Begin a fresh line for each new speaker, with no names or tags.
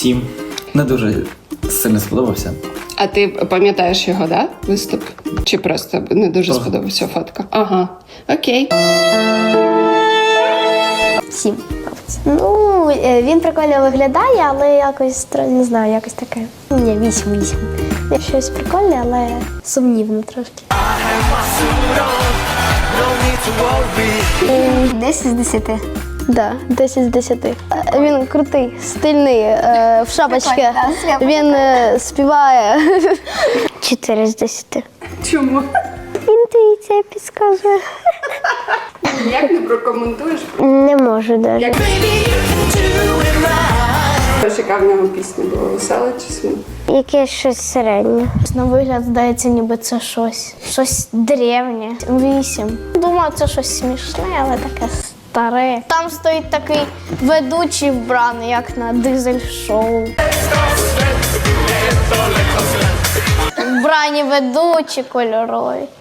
7. Не дуже сильно сподобався.
А ти пам'ятаєш його, да? Виступ? Чи просто не дуже сподобався фотка? Ага. Окей.
7. Ну, він прикольно виглядає, але якось, не знаю, якось таке. Ні, 8. Щось прикольне, але сумнівно трошки. 10 з 10. Да, 10 з 10. Він крутий, стильний, в шапочці. Він співає. 4 з 10.
Чому?
Інтуїція підказує.
Як не прокоментуєш?
Не можу навіть.
Яка в нього пісня була? Весела чи смутна?
Якесь щось середнє. На вигляд здається, ніби це щось древнє. 8. Думаю, це щось смішне, але таке старе. Там стоїть такий ведучий вбраний, як на дизель-шоу. Вбрані ведучі кольорові.